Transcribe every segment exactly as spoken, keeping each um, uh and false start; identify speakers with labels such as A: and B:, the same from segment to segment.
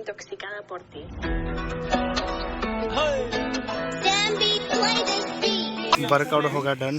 A: intoxicada por ti.
B: Workout हो गया done.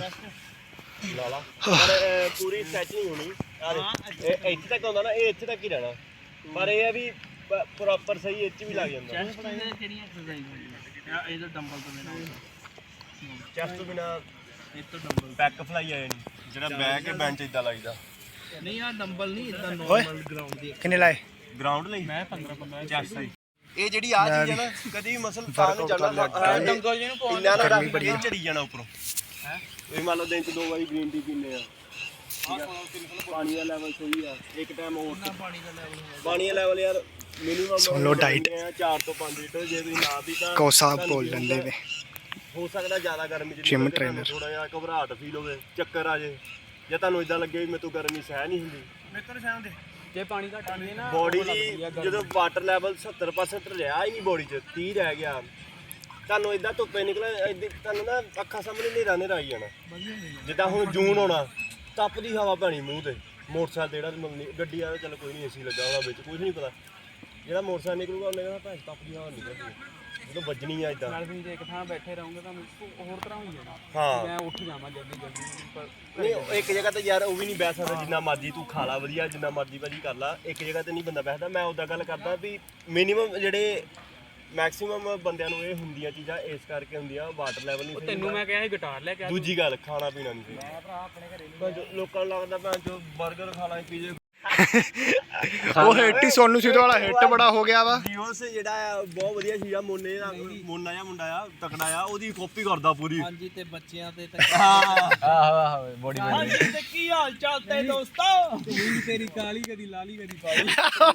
C: पूरी स्ट्रैच नहीं होनी ਇੱਥੇ ਤੱਕ ਆਉਂਦਾ ਨਾ ਇਹ ਇੱਥੇ ਤੱਕ ਹੀ ਰਹਿਣਾ ਪਰ ਇਹ ਹੈ ਵੀ ਪ੍ਰੋਪਰ ਸਹੀ ਇੱਥੇ ਵੀ ਲੱਗ ਜਾਂਦਾ ਚੈਸਟ ਕਿਹੜੀਆਂ ਐਕਸਰਸਾਈਜ਼ ਹੁੰਦੀਆਂ ਇਹਦਾ ਡੰਬਲ ਤੋਂ ਬਿਨਾ ਚੈਸਟ ਤੋਂ ਬਿਨਾ ਇਹ ਤੋਂ ਡੰਬਲ ਬੈਕ ਫਲਾਈ ਆ ਜਾਣੀ ਜਿਹੜਾ ਬੈਕ ਕੇ ਬੈਂਚ ਇਦਾਂ ਲੱਗਦਾ ਨਹੀਂ ਆ ਡੰਬਲ ਨਹੀਂ ਇਦਾਂ ਨਾਰਮਲ ਗਰਾਊਂਡ ਦੀ
B: किन्ने लाए
C: ਗਰਾਊਂਡ ਲਈ ਮੈਂ ਪੰਦਰਾਂ ਪੰਦਰਾਂ ਚੈਸਟ ਸਹੀ ਇਹ ਜਿਹੜੀ ਆ ਚੀਜ਼ ਹੈ ਨਾ ਕਦੀ ਵੀ ਮਸਲ ਤਾਂ ਨਹੀਂ ਚੱਲਣਾ ਡੰਗਲ ਜਿਹਨੂੰ ਪਾਉਣਾ ਗਰਮੀ ਬੜੀ ਝੜੀ ਜਾਣਾ ਉੱਪਰੋਂ ਹੈ ਇਹ ਮੰਨ ਲਓ ਦਿਨ ਚ ਦੋ ਵਾਰੀ ਗ੍ਰੀਨ ਟੀ ਪੀਂਦੇ ਆ ਪਾਣੀ ਦਾ ਲੈਵਲ ਸਹੀ ਆ ਇੱਕ ਟਾਈਮ ਹੋਰ ਪਾਣੀ ਦਾ ਲੈਵਲ ਪਾਣੀ ਦਾ ਲੈਵਲ ਯਾਰ ਮਿਨੀਮਮ
B: सुन लो डाइट
C: ਚਾਰ ਤੋਂ ਪੰਜ ਲੀਟਰ ਜੇ ਤੁਸੀਂ ਨਾ ਪੀ ਤਾਂ
B: को साहब बोल डंडे में
C: ਹੋ ਸਕਦਾ ਜ਼ਿਆਦਾ ਗਰਮੀ ਚ
B: ਜਿਮ ਟ੍ਰੇਨਰ
C: ਥੋੜਾ ਜਿਹਾ ਘਬਰਾਹਟ ਫੀਲ ਹੋਵੇ ਚੱਕਰ ਆ ਜੇ ਜਾਂ ਤੁਹਾਨੂੰ ਇਦਾਂ ਲੱਗੇ ਵੀ ਮੇਰੇ ਤੋਂ ਗਰਮੀ ਸਹਿ ਨਹੀਂ ਹੁੰਦੀ ਮੇਰੇ ਤੋਂ ਸਹਿ ਹੁੰਦੇ ਜੇ ਪਾਣੀ ਘੱਟ ਪੀਏ ਨਾ ਬੋਡੀ ਦੀ ਜਦੋਂ ਵਾਟਰ ਲੈਵਲ ਸੱਤਰ ਪਰਸੈਂਟ ਰਿਹਾ ਹੀ ਨਹੀਂ ਬੋਡੀ 'ਚ ਤੀਹ ਰਹਿ ਗਿਆ ਤੁਹਾਨੂੰ ਇਦਾਂ ਧੁੱਪੇ ਨਿਕਲੇ ਤੁਹਾਨੂੰ ਨਾ ਅੱਖਾਂ ਸਾਹਮਣੇ ਹਨੇਰਾ ਹਨੇਰਾ ਆਈ ਜਾਣਾ ਜਿੱਦਾਂ ਹੁਣ ਜੂਨ ਹੋਣਾ ਤਪਦੀ ਹਵਾ ਪੈਣੀ ਮੂੰਹ ਤੇ ਮੋਟਰਸਾਈਕਲ ਜਿਹੜਾ ਮਤਲਬ ਗੱਡੀ ਵਾਲਾ ਚੱਲ ਕੋਈ ਨਹੀਂ ਏਸੀ ਲੱਗਾ ਉਹਦਾ ਵਿੱਚ ਕੁਝ ਨਹੀਂ ਪਤਾ ਜਿਹੜਾ ਮੋਟਰਸਾਈਕਲ ਨਿਕਲੂਗਾ ਉਹਨੇ ਕਹਿੰਦਾ ਭੈਣ ਤਪਦੀ ਹਵਾ ਨਿਕਲਦੀ ਜਦੋਂ ਵੱਜਣੀ ਆ ਇਦਾਂ ਨਾਲ ਜੇ ਇੱਕ ਥਾਂ ਬੈਠੇ ਰਹੋਗੇ ਤਾਂ ਹੋਰ ਤਰ੍ਹਾਂ ਹੋਈ ਜਾਣਾ ਹਾਂ ਮੈਂ ਉੱਠ ਜਾਵਾਂ ਜਲਦੀ ਜਲਦੀ ਨਹੀਂ ਇੱਕ ਜਗ੍ਹਾ ਤੇ ਯਾਰ ਉਹ ਵੀ ਨਹੀਂ ਬਹਿ ਸਕਦਾ ਜਿੰਨਾ ਮਰਜ਼ੀ ਤੂੰ ਖਾ ਲਾ ਵਧੀਆ ਜਿੰਨਾ ਮਰਜ਼ੀ ਭਾਜੀ ਕਰ ਲਾ ਇੱਕ ਜਗ੍ਹਾ ਤੇ ਨਹੀਂ ਬੰਦਾ ਬੈਠਦਾ ਮੈਂ ਉੱਦਾਂ ਗੱਲ ਕਰਦਾ ਵੀ ਮਿਨੀਮਮ ਜਿਹੜੇ ਮੈਕਸਿਮਮ ਬੰਦਿਆਂ ਨੂੰ ਇਹ ਹੁੰਦੀਆਂ ਚੀਜ਼ਾਂ ਇਸ ਕਰਕੇ ਹੁੰਦੀਆਂ ਵਾਟਰ ਲੈਵਲ ਨਹੀਂ ਸਹੀ ਤੈਨੂੰ ਮੈਂ ਕਿਹਾ ਸੀ ਗਿਟਾਰ ਲੈ ਕੇ ਦੂਜੀ ਗੱਲ ਖਾਣਾ ਪੀਣਾ ਨਹੀਂ ਸਹੀ ਮੈਂ ਭਰਾ ਆਪਣੇ ਘਰੇ ਲੋਕਾਂ ਨੂੰ ਲੱਗਦਾ ਭੈਣ ਜੋ 버ਗਰ ਖਾ ਲਾਂ ਪੀਜੇ
B: वो हिट ही सोनू सूद वाला हिट बड़ा हो गया वा
C: ਡੀਓਸ ਜਿਹੜਾ ਆ ਬਹੁਤ ਵਧੀਆ ਸੀਗਾ ਮੋਨੇ ਦਾ ਮੋਨਾ ਜਿਹਾ ਮੁੰਡਾ ਆ ਤਕੜਾ ਆ ਉਹਦੀ ਕਾਪੀ ਕਰਦਾ ਪੂਰੀ ਹਾਂਜੀ ਤੇ ਬੱਚਿਆਂ ਤੇ ਹਾਂ ਆਹੋ ਆਹੋ ਬੋਡੀ ਹਾਂਜੀ ਤੇ ਕੀ ਹਾਲ ਚਾਲ ਤੇ ਦੋਸਤੋ ਤੇਰੀ ਕਾਲੀ ਕਦੀ ਲਾਲੀ ਕਦੀ ਪਾਲੀ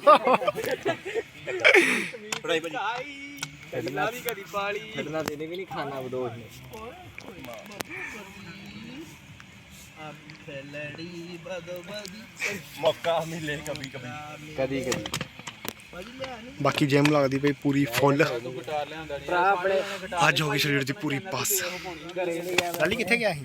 C: ਪੜਾਈ ਭਾਜੀ ਲਾਲੀ ਕਦੀ ਪਾਲੀ ਛੱਡਣਾ ਤੇਨੇ ਵੀ ਨਹੀਂ ਖਾਣਾ ਬਦੋਸ਼ ਨੇ ਲੜੀ ਬਦੋ ਬਦੀ ਮੌਕਾ ਮਿਲੇ ਕभी कभी कभी कभी
B: बाकी जिम लगती पई पूरी फुल आज होगी शरीर की पूरी पास लाली किथे गया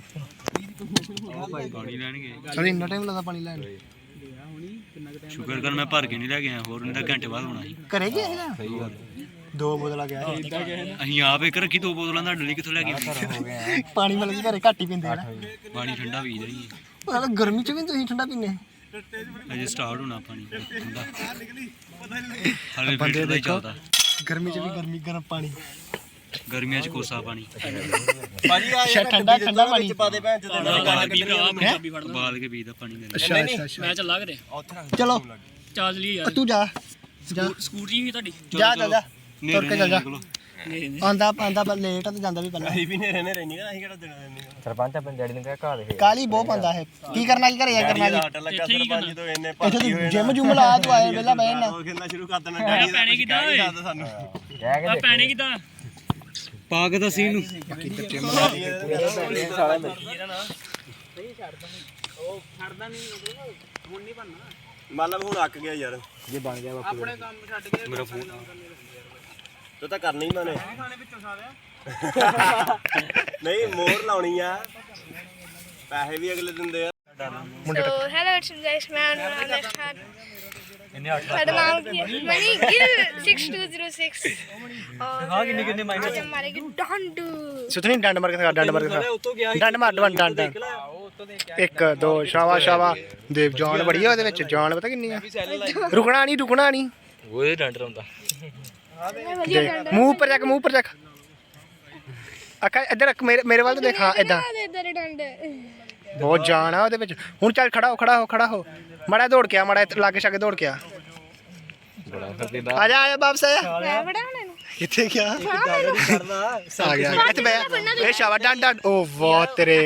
D: पानी लैन गए
B: चल इन्ना टाइम लगा पानी लैन
D: शुक्र कर मैं भर के नहीं लैके आया होर नहीं घंटे बाद होना
B: घरे गया ना सही गल दो बोतल गया
D: ਅਸੀਂ ਆਪ ਇੱਕ ਰੱਖੀ ਦੋ ਬੋਤਲਾਂ ਤੁਹਾਡੇ ਲਈ ਕਿੱਥੋਂ ਲੈ ਕੇ ਆਏ
B: पानी मतलब घरे घट ही पींदे ना
D: ਪਾਣੀ ਠੰਡਾ ਪੀ ਜਾਈਏ
B: मतलब गर्मी च भी तुसीं ठंडा पीने
D: ਅਜੇ ਸਟਾਰਟ ਹੋਣਾ ਪਾਣੀ ਠੰਡਾ ਹਾਲੇ
B: बंदे
D: ਫਿਲਟਰ ਦਾ ਹੀ
B: देखो
D: ਚੱਲਦਾ
B: गर्मी च भी गर्मी गर्म पानी
D: ਗਰਮੀਆਂ ਚ ਕੋਸਾ ਪਾਣੀ
C: ਭਾਜੀ ਆ
B: ਅੱਛਾ ਠੰਡਾ ਠੰਡਾ ਪਾਣੀ
C: ਪਾ ਦੇ ਭੈਣ ਜਦੋਂ
D: ਉਬਾਲ ਕੇ ਪੀਦਾ ਉਬਾਲ ਕੇ ਪੀਦਾ ਪਾਣੀ ਦੇ
B: अच्छा अच्छा अच्छा
E: ਮੈਂ ਚੱਲਾ ਕਰੇ
B: चलो
E: ਚਾਰਜ ਲਈ ਯਾਰ
B: तू जा जा
E: ਸਕੂਟਰੀ ਵੀ ਤੁਹਾਡੀ
B: जा जा जा तुर के चल जा
E: ਨਹੀਂ
B: आंदा आंदा पर लेट तो जांदा भी पहला
C: ਅਸੀਂ ਵੀ ਨੇ ਰਹਿਣੇ ਰਹਿਣੀ ਅਸੀਂ ਕਿਹੜਾ ਦੇਣਾ ਦੇਣੀ
F: ਸਰਪੰਚ ਆਪਣੇ ਡੈਡੀ ਨੂੰ ਕਹਿ ਘਾ ਦੇ
B: काली बहुत पांदा है की करना की करे करना की
C: ਆਟ ਲੱਗਾ ਸਰਪੰਚ ਤੋਂ ਇੰਨੇ ਭਰਤੀ ਹੋਏ
B: जिम जुम ला तू आए वेला बहन
C: ਉਹ ਕਹਿੰਦਾ ਸ਼ੁਰੂ ਕਰ ਦੇਣਾ ਡੈਡੀ
E: ਪੈਣੇ ਕਿਦਾਂ ਓਏ
C: ਸਾਨੂੰ
F: ਕਹਿ ਕੇ
E: ਆ ਪੈਣੇ ਕਿਦਾਂ
D: ਪਾ ਕੇ ਦੱਸੀ ਇਹਨੂੰ
E: ਉਹ ਛੱਡਦਾ ਨਹੀਂ ਹੁਣ ਨਹੀਂ ਬਣਨਾ
C: ਮਤਲਬ ਹੁਣ ਅੱਕ ਗਿਆ ਯਾਰ
F: ਜੇ ਬਣ ਗਿਆ ਬਾਪੂ
E: ਆਪਣੇ ਕੰਮ ਛੱਡ ਕੇ ਮੇਰਾ ਫੋਨ
C: ਤੂੰ ਤਾਂ ਕਰਨੀ ਹੀ ਮੈਨੇ
E: ਖਾਣੇ ਵਿੱਚੋਂ ਸਾਰਿਆ
C: ਨਹੀਂ ਮੋਹਰ ਲਾਉਣੀ ਆ ਪੈਸੇ ਵੀ ਅਗਲੇ ਦਿੰਦੇ ਆ
G: So hello it's guys man साढ़े नाम की Mani Gill six two zero six हाँ किन्ने किन्ने माइनस आज हमारे की डंड
B: सुतनी डंड मार के खा डंड मार के खा डंड मार डंड डंड एक दो शावा शावा देव जान बड़ी है ਉਹਦੇ ਵਿੱਚ ਜਾਨ ਪਤਾ ਕਿੰਨੀ ਆ ਰੁਕਣਾ ਨਹੀਂ ਰੁਕਣਾ ਨਹੀਂ
D: ਉਹ ਡੰਡ ਰੋਂਦਾ
B: ਮੂੰਹ ਉੱਪਰ ਚੱਕ ਮੂੰਹ ਉੱਪਰ ਚੱਕ ਅੱਖਾਂ ਇੱਧਰ ਮੇਰੇ ਮੇਰੇ ਵੱਲ ਦੇਖ ਹਾਂ ਇਦਾਂ
G: इधर डंड
B: ਬਹੁਤ ਜਾਨ ਆ ਉਹਦੇ ਵਿੱਚ ਹੁਣ ਚੱਲ ਖੜਾ ਹੋ ਖੜਾ ਹੋ ਖੜਾ ਹੋ ਮਾੜਾ ਦੌੜ ਕੇ ਆ ਮਾੜਾ ਲਾਗੇ ਛਾਗੇ ਦੌੜ ਕੇ ਆ ਆ ਜਾ ਆ ਜਾ ਵਾਪਸ ਆ ਜਾ
G: मैं बड़ा होने
B: ਕਿੱਥੇ ਗਿਆ
C: ਕਰਨਾ
B: ਆ ਗਿਆ ਇੱਥੇ ਬੈ ਇਹ ਸ਼ਾਵਾ ਡੰਡ ਡੰਡ ਓ ਵਾਹ ਤੇਰੇ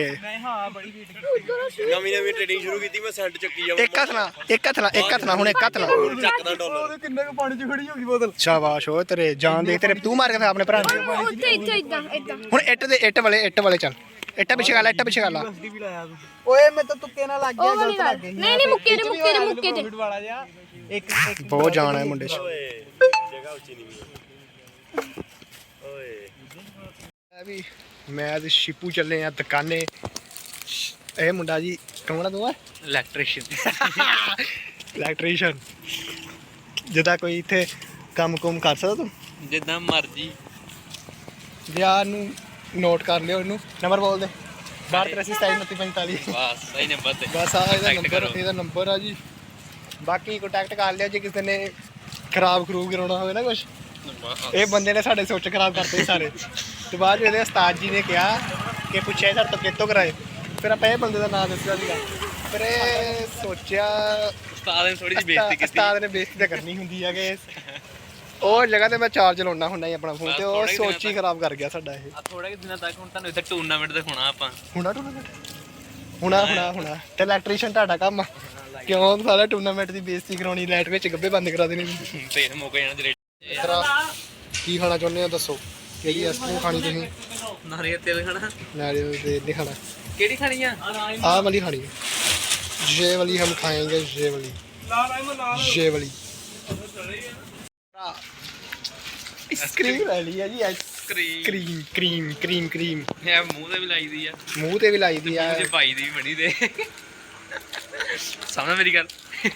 C: ਨਵੀਂ ਨਵੀਂ ਟ੍ਰੇਡਿੰਗ ਸ਼ੁਰੂ ਕੀਤੀ ਮੈਂ ਸੈਂਟ ਚੱਕੀ ਜਾਵਾਂ
B: ਇੱਕ ਹੱਥ ਨਾਲ ਇੱਕ ਹੱਥ ਨਾਲ ਇੱਕ ਹੱਥ ਨਾਲ ਹੁਣ ਇੱਕ ਹੱਥ ਨਾਲ
C: ਚੱਕਦਾ ਡਾਲਰ
F: ਕਿੰਨੇ ਕੁ ਪਾਣੀ 'ਚ ਖੜੀ ਹੋ ਗਈ ਬੋਤਲ
B: ਸ਼ਾਬਾਸ਼ ਓ ਤੇਰੇ ਜਾਨ ਦੇਖ ਤੇਰੇ ਤੂੰ ਮਾਰ ਕੇ ਆਪਣੇ ਭਰਾ ਨੂੰ
G: ਉੱਥੇ ਇੱਥੇ ਇਦਾਂ ਇਦਾਂ
B: ਹੁਣ ਇੱਟ ਦੇ ਇੱਟ ਵਾਲੇ ਇੱਟ ਵਾਲੇ ਚੱਲ ਇੱਟਾਂ ਪਿੱਛੇ ਕਰ ਲੈ ਇੱਟਾਂ ਪਿੱਛੇ ਕਰ ਲਾ
F: ਓਏ ਮੈਂ ਤਾਂ ਤੁੱਕੇ ਨਾਲ ਲੱਗ
G: ਉਹ ਵਾਲੀ ਗੱਲ ਨਹੀਂ ਨਹੀਂ ਮੁੱਕੇ ਦੇ ਮੁੱਕੇ ਦੇ ਮੁੱਕੇ ਦੇ
F: ਵਾਲਾ ਜਿਹਾ ਇੱਕ ਇੱਕ
B: ਬਹੁਤ ਜਾਨ ਹੈ ਮੁੰਡੇ 'ਚ
C: ਓਏ ਜਗ੍ਹਾ ਉੱਚੀ ਨਹੀਂ ਮਿਲੀ ਓਏ
B: ਵੀ ਮੈਂ ਤੇ ਸ਼ਿਪੂ ਚੱਲੇ ਆ ਦੁਕਾਨੇ ਇਹ ਮੁੰਡਾ ਜੀ ਕੌਣ ਆ ਤੂੰ
D: ਇਲੈਕਟ੍ਰੀਸ਼ੀਅਨ
B: ਇਲੈਕਟ੍ਰੀਸ਼ੀਅਨ ਜਿੱਦਾਂ ਕੋਈ ਇੱਥੇ ਕੰਮ ਕੁਮ ਕਰ ਸਕਦਾ ਤੂੰ?
E: ਜਿੱਦਾਂ ਮਰਜੀ
B: ਯਾਰ ਨੂੰ ਨੋਟ ਕਰ ਲਿਓ ਇਹਨੂੰ। ਨੰਬਰ ਬੋਲ ਦੇ। ਬਾਹਰ ਤੇਰਾਸੀ ਸਤਾਈ ਉਨੱਤੀ ਪੰਤਾਲੀ।
E: ਬਸ ਸਹੀ ਨੰਬਰ ਤੇ
B: ਬਸ ਆ ਇਹਦਾ
E: Contact
B: ਨੰਬਰ
E: ਕਰੋ।
B: ਇਹਦਾ ਨੰਬਰ ਆ ਜੀ। ਬਾਕੀ ਕੰਟੈਕਟ ਕਰ ਲਿਓ ਜੇ ਕਿਸੇ ਨੇ ਖਰਾਬ ਖਰੂਬ ਕਰਾਉਣਾ ਹੋਵੇ ਨਾ ਕੁਛ। ਇਹ ਬੰਦੇ ਨੇ ਸਾਡੇ ਸੋਚ ਖਰਾਬ ਕਰਤੇ ਸਾਰੇ। ਤੇ ਬਾਅਦ ਵਿੱਚ ਇਹਦੇ ਉਸਤਾਦ ਜੀ ਨੇ ਕਿਹਾ ਕਿ ਪੁੱਛਿਆ ਸਾਡੇ ਤੋਂ ਕਿੱਥੋਂ ਕਰਾਏ। ਫਿਰ ਆਪਾਂ ਇਹ ਬੰਦੇ ਦਾ ਨਾਮ ਦੱਸਿਆ ਸੀਗਾ। ਫਿਰ ਇਹ ਸੋਚਿਆ
E: ਉਸਤਾਦ ਨੇ ਥੋੜੀ ਜਿਹੀ ਬੇਇੱਜ਼ਤੀ ਕੀਤੀ
B: ਉਸਤਾਦ ਨੇ ਬੇਇੱਜ਼ਤੀ ਤਾਂ ਕਰਨੀ ਹੁੰਦੀ ਹੈ ਕਿ ਉਹ ਜਗ੍ਹਾ ਤੇ ਮੈਂ ਚਾਰਜ ਲਾਉਣਾ ਹੁੰਦਾ ਹੀ ਆਪਣਾ ਫੋਨ ਤੇ ਉਹ
E: ਥੋੜ੍ਹੇ ਦਿਨਾਂ
B: ਸੋਚ ਹੀ ਖਰਾਬ ਕਰ ਗਿਆ ਸਾਡਾ ਇਹ।
E: ਆ ਥੋੜੇ ਦਿਨਾਂ ਤੱਕ ਹੁਣ ਤੁਹਾਨੂੰ ਇੱਥੇ ਟੂਰਨਾਮੈਂਟ ਦਿਖਾਉਣਾ ਆਪਾਂ
B: ਹੁਣਾ ਟੂਰਨਾਮੈਂਟ ਹੁਣਾ ਹੁਣਾ ਹੁਣਾ ਤੇ ਇਲੈਕਟ੍ਰੀਸ਼ੀਅਨ ਤੁਹਾਡਾ ਕੰਮ ਆ। ਕਿਉਂ ਸਾਰਾ ਟੂਰਨਾਮੈਂਟ ਦੀ ਬੇਇੱਜ਼ਤੀ ਕਰਾਉਣੀ, ਲਾਈਟ ਵਿੱਚ ਗੱਬੇ ਬੰਦ ਕਰਾ ਦੇਣੇ।
E: ਤੇ ਮੌਕੇ ਜਾਣਾ ਜਿਹੜੇ
B: ਤੇਰਾ ਕੀ ਖਾਣਾ ਚਾਹੁੰਦੇ ਹੋ ਦੱਸੋ? ਕਿਹੜੀ ਆਈਸਕ੍ਰੀਮ ਖਾਣੀ ਤੁਸੀਂ?
E: ਨਾਰੀਅਲ ਤੇਲ ਖਾਣਾ
B: ਨਾਰੀਅਲ ਦੇ ਨਹੀਂ ਖਾਣਾ,
E: ਕਿਹੜੀ ਖਾਣੀ ਆ
B: ਆਹ ਵਾਲੀ ਖਾਣੀ है। ये वाली हम खाएंगे, ये वाली ये वाली आइसक्रीम ले ली है जी।
E: Cream
B: cream cream cream cream
E: ਇਹ ਮੂੰਹ ਤੇ ਵੀ ਲਾਈਦੀ ਆ
B: ਮੂੰਹ ਤੇ ਵੀ ਲਾਈ ਦੀ ਆ।
E: ਤੇ ਭਾਈ ਦੀ ਵੀ ਬਣੀ ਦੇ ਸਾਹਮਣੇ ਮੇਰੀ ਗੱਲ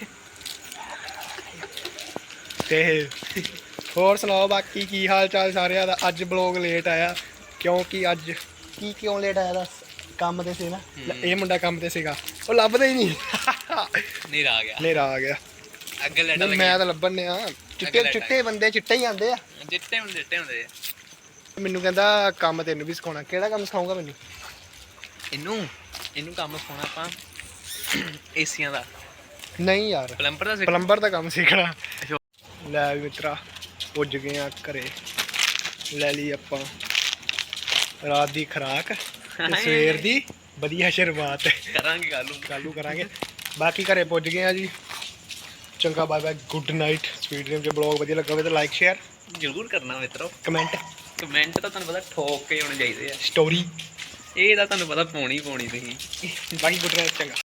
B: ਤੇ ਹੋਰ ਸੁਣਾਓ ਬਾਕੀ ਕੀ ਹਾਲ ਚਾਲ ਸਾਰਿਆਂ ਦਾ? ਅੱਜ ਬਲੌਗ ਲੇਟ ਆਇਆ ਕਿਉਂਕਿ ਅੱਜ ਕੀ ਕਿਉਂ ਲੇਟ ਆਇਆ ਦੱਸ? ਕੰਮ ਤੇ ਸੀ ਨਾ। ਇਹ ਮੁੰਡਾ ਕੰਮ ਤੇ ਸੀਗਾ, ਉਹ ਲੱਭਦਾ ਹੀ ਨਹੀਂ।
E: ਨੀਰਾ ਆ ਗਿਆ
B: ਹਨੇਰਾ ਆ ਗਿਆ।
E: ਅੱਗੇ ਲੈਟ
B: ਨਹੀਂ ਮੈਂ ਤਾਂ ਲੱਭਣ ਆ। ਚਿੱਟੇ ਚਿੱਟੇ ਬੰਦੇ ਚਿੱਟੇ ਹੀ ਆਂਦੇ ਆ।
E: ਜਿੱਤੇ ਹੁੰਦੇ ਜਿੱਤੇ ਹੁੰਦੇ ਆ।
B: ਮੈਨੂੰ ਕਹਿੰਦਾ ਕੰਮ ਤੈਨੂੰ ਵੀ ਸਿਖਾਉਣਾ। ਕਿਹੜਾ ਕੰਮ ਸਿਖਾਊਗਾ ਮੈਨੂੰ?
E: ਇਹਨੂੰ ਇਹਨੂੰ ਕੰਮ ਸਿਖਾਉਣਾ ਆਪਾਂ ਏਸੀਆਂ ਦਾ,
B: ਨਹੀਂ ਯਾਰ,
E: ਪਲੰਬਰ ਦਾ ਸਿੱਖ
B: ਪਲੰਬਰ ਦਾ ਕੰਮ ਸਿੱਖਣਾ। ਲੈ ਵੀ ਮਿੱਤਰਾ ਪੁੱਜ ਗਏ ਆ ਘਰੇ। ਲੈ ਲਈ ਆਪਾਂ ਰਾਤ ਦੀ ਖੁਰਾਕ ਤੇ ਸਵੇਰ ਦੀ ਵਧੀਆ ਸ਼ੁਰੂਆਤ।
E: ਕਰਾਂਗੇ ਗੱਲ ਨੂੰ
B: ਚਾਲੂ ਕਰਾਂਗੇ। ਬਾਕੀ ਘਰੇ ਪੁੱਜ ਗਏ ਆ ਜੀ। ਚੰਗਾ bye bye, good night. Speed game 'ਚ ਬਲੌਗ ਵਧੀਆ ਲੱਗਾ ਹੋਵੇ ਤਾਂ ਲਾਈਕ ਸ਼ੇਅਰ
E: ਜ਼ਰੂਰ ਕਰਨਾ ਮਿੱਤਰੋ।
B: ਕਮੈਂਟ
E: ਕਮੈਂਟ ਤਾਂ ਤੁਹਾਨੂੰ ਪਤਾ ਠੋਕ ਕੇ ਹੋਣੇ ਚਾਹੀਦੇ ਆ।
B: ਸਟੋਰੀ।
E: ਇਹ ਤਾਂ ਤੁਹਾਨੂੰ ਪਤਾ ਪਾਉਣੀ ਪਾਉਣੀ ਤੁਸੀਂ
B: ਬਾਕੀ ਗੁੱਡ ਨਾਈਟ। ਚੰਗਾ।